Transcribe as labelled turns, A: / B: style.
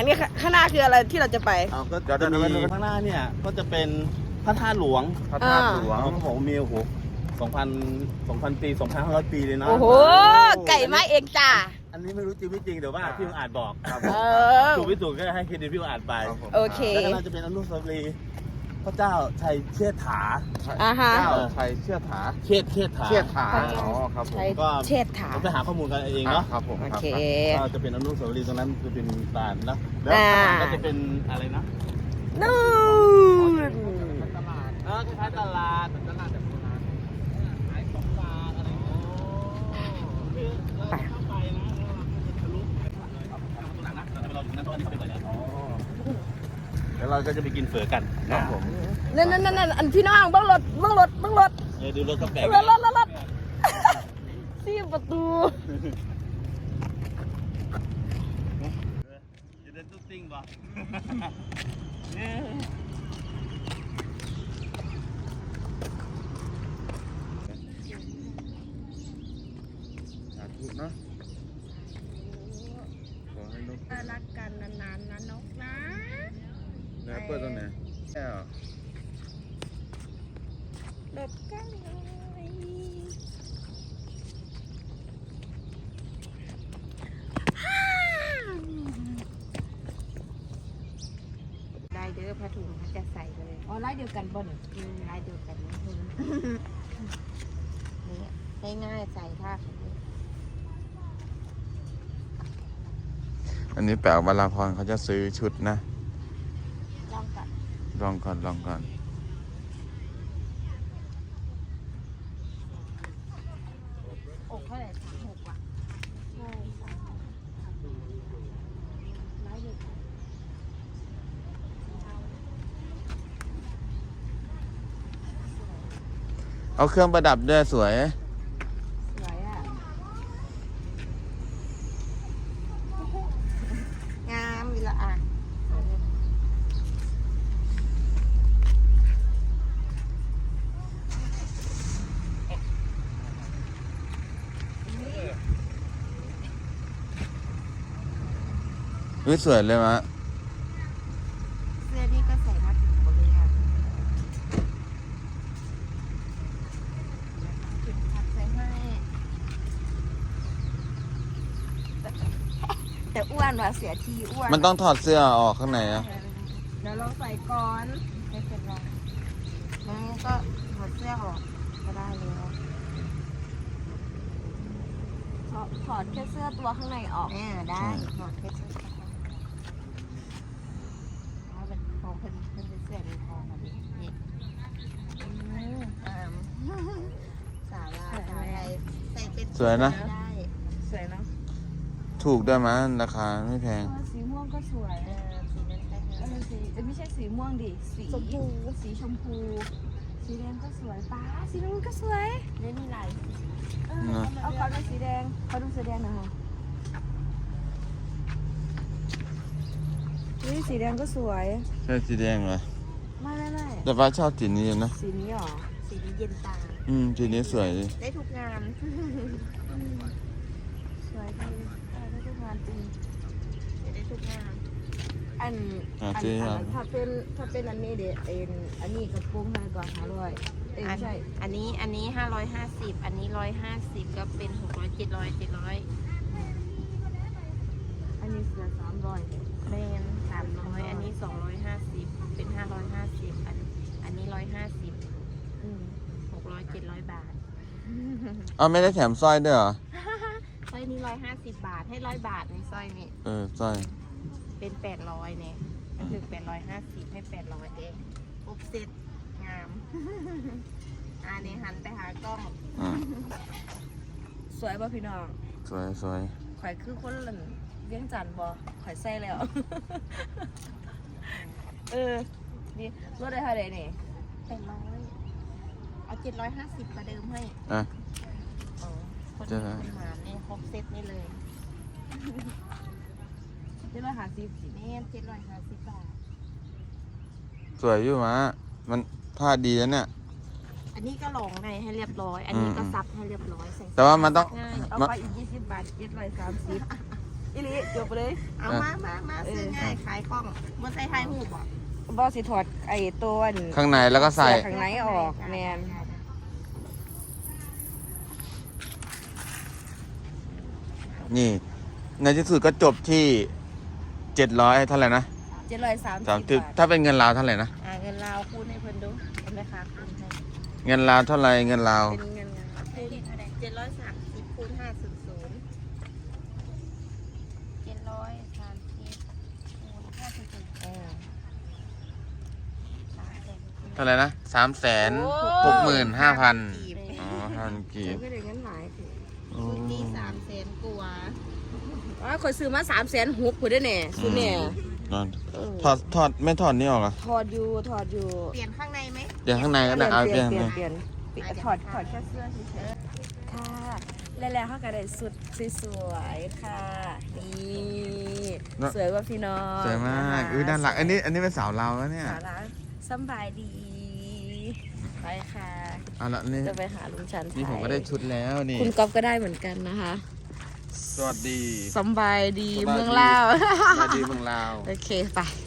A: อันนี้ข้างหน้าคืออะไรที่เราจะไป
B: ก็จะมีข้างหน้าเนี่ยก็จะเป็นพระธาตุหลวง
C: พระธาตุหลวง
B: เขาบอกมีโอ้โห2,000 ปี 2,500 ปีเลยนะ
A: โอ้โหไก่ไม้เองจ้า
B: อันนี้ไม่รู้จริงไม่จริงเดี๋ยวว่าพี่อาจบอกครับ ถูกไม่ถูกก็ให้เครดิตพี่อาจไป
A: โอเค
B: แล้วก็น่าจะเป็นอนุสาวรีย์พระเจ้าชัยเชษฐา
A: อ่าฮะ
C: เจ้าชัยเชื่อถา
B: เชษฐา
C: เชื่อถาอ๋อครับผม
A: ใช้
B: ก็
A: เช็ดถา
B: เราไปหาข้อมูลกันเองเนาะ
C: ครับผม
A: โอ
C: ครับ
A: เค
B: ก็จะเป็นอนุสาวรีย์ตรงนั้นจะเป็นลานนะแล้ว
A: อ่า
B: ข้างหลังก็จะเป็นอะไรนะ
A: นู่น
B: ตลาดคล้ายๆตลาดแบบโบราณขายของฝากอะไรอย่างเงี้ยคือเราเข้าไปนะทะลุหลังนะเราถึงนั้นตอนนี้เขาไปก่อนแล้วเราก็จะไปกินเฝอกัน
C: ครับผม
A: นั่นอันพี่น้องเบิ้งรถ
B: ดูรถก็แปลก
A: รถสี่ประตู
B: จะเดินตุ๊กติ้งป่ะ
C: สาธุเนาะขอให้นก
A: รักกันนานๆนะนกนะ
C: แล้วเปิดตรงไหนแก้ว
A: หลบกันเลยลายเด้อผ้าถุงเขาจะใส่เลยอ๋อลายเดียวกันบ่นลายเดียวกันนะนี่ง่ายๆใส่ท่าแบบนี้
C: อันนี้แปลวราพรเขาจะซื้อชุดนะ
A: ลองกัน
C: ลองก่อน
A: อกเท่าไหร่36ว่ะใช่ลายเดียวกัน
C: เอาเครื่องประดับด้วยสวย
A: สวยอ่ะงามอีละอ่ะ
C: สวยเลยมะ
A: เสื้อนี่ก็ใส่มาถึงหมดเลยอ่ะถึงทักใส่ให้แต่อ้วนว่ะเสียทีอ้วน
C: มันต้องถอดเสื้อออกข้างในอะ
A: เดี๋ยวลองใส่ก่อนไม่เป็นไรงั้นก็ถอดเสื้อออกก็ได้แล้วถอดแค่เสื้อตัวข้างในออกได้ถอดแค่เสื้อตัวข้างในเอาเป็นของเป็นเสื้อในคอแบบนี้สาวลาวสาวไทยใส่เป็น
C: สวยนะ
A: ได้สวยเนาะ
C: ถูกด้วยมะราคาไม่แพง
A: สีม่วงก็สวยสีนั้นได้สีไม่ใช่สีม่วงดิสีชมพูสีชมพูสีแดงก็สวยป้าสีน้ำเงินก็สวยเล่นลายเอาขอดูสีแดงขอดูสีแดงหน่อยค่ะนี่สีแดงก็สวย
C: ใช่สีแดงเหรอ
A: ไม่
C: แต่ฟ้าชอบสีนี้นะ
A: สีนี้หรอสีนี้เย็นตา
C: สีนี้สวยดิ
A: ได้ทุกงานสวยดีได้ทุกงานจริงได้ทุกงานอันถ้าเป็นอันนี้เด็ดอันนี้กระโปรงให้ก่อน500ไม่ใช่อันนี้550อันนี้150ก็เป็น600 700อันนี้เสือ300เป็น300อันนี้250เป็น550อันนี้150 600 700 บาท
C: เอาไม่ได้แถมสร้อยด้วยเหรอ
A: สร้อยนี้150 บาทให้100 บาทในสร้อยนี้
C: สร้อย
A: เป็น800เนี่ยก็คือ850ให้800เองปุ๊บเสร็จงาม อันนี้หันไปหากล้อง สวยป่ะพี่น้อง
C: สวย
A: ข่อยคือคนหล่นเวียงจันทร์บ่ข่อยใส่แล้ว นี่รถได้เท่าไหร่นี่800เอา750ประเดิมให้
C: อ่ะ
A: คนมาเนี่ยครบเซตนี่เลย750นี่750 บาท
C: สวยอยู่มะมันผ้าดีแล้วเนี่ย
A: อันนี้ก็ลองในให้เรียบร้อย อันนี้ก็ซับให้เรียบร้อยใส่
C: แต่ว่ามันต้อง
A: ง่ายเอาไปอีก20 บาท730 อีหลีจบไปเลย
D: เอามาซื้อง่ายขายคล่องบ่ใส่ไทยหูบ่
A: บอสิถอดไอ้ตัวอัน
C: ข้างในแล้วก็ใส่
A: ข้างในออกแมน
C: นี่ ในที่สุดก็จบที่700เท่าไหร่นะ
A: 730
C: 30ถ้าเป็นเงินลาวเท่าไหร่นะ
D: เงินลาวคูณให้เพิ่นดูเป็นไหมคะคูณให้
C: เงินลาวเท่าไหร่เงินลาว
A: เป็นเงิน
D: คูณ730คูณ500 730คูณ500
C: เท่าไหร่นะ365,000 อ๋อ5,000 กีบ
A: ก็ได้เงินหลายสิ
C: โอ้
D: ชุดนี้300,000กว่า
A: คอยซื้อมา360,000พุ่นได้แน่สุดเนี่ย
C: นั่นถอดไม่ถอดนี่ออกเหรอ
A: ถอดอยู่
D: เปลี่ยนข้างในไหม
C: เดี๋ยวข้างในก็ได้เอา
A: เป
C: เป
A: ลี่
C: ลี่
A: ย
C: ย
A: น
C: น
A: เปลี่ยนถอดแค่เสื้อเฉยๆค่ะแล้วเขาก็ได้สุดสวยๆค่ะนี่สวยกว่าพี่น้อง
C: สวยมากอุ้ยน่ารักอันนี้เป็นสาวเราวแล้วเนี่ย
A: สาระสบายดีไปค่ะ
C: เอาละนี่
A: จะไปหาลุงชัน
C: นี่ผมก็ได้ชุดแล้วนี่
A: คุณก๊อฟก็ได้เหมือนกันนะคะ
C: สวัสดี
A: สบายดี
C: สบายดี
A: เมืองลาว
C: สวัสดีเมืองลาว
A: โอเคไป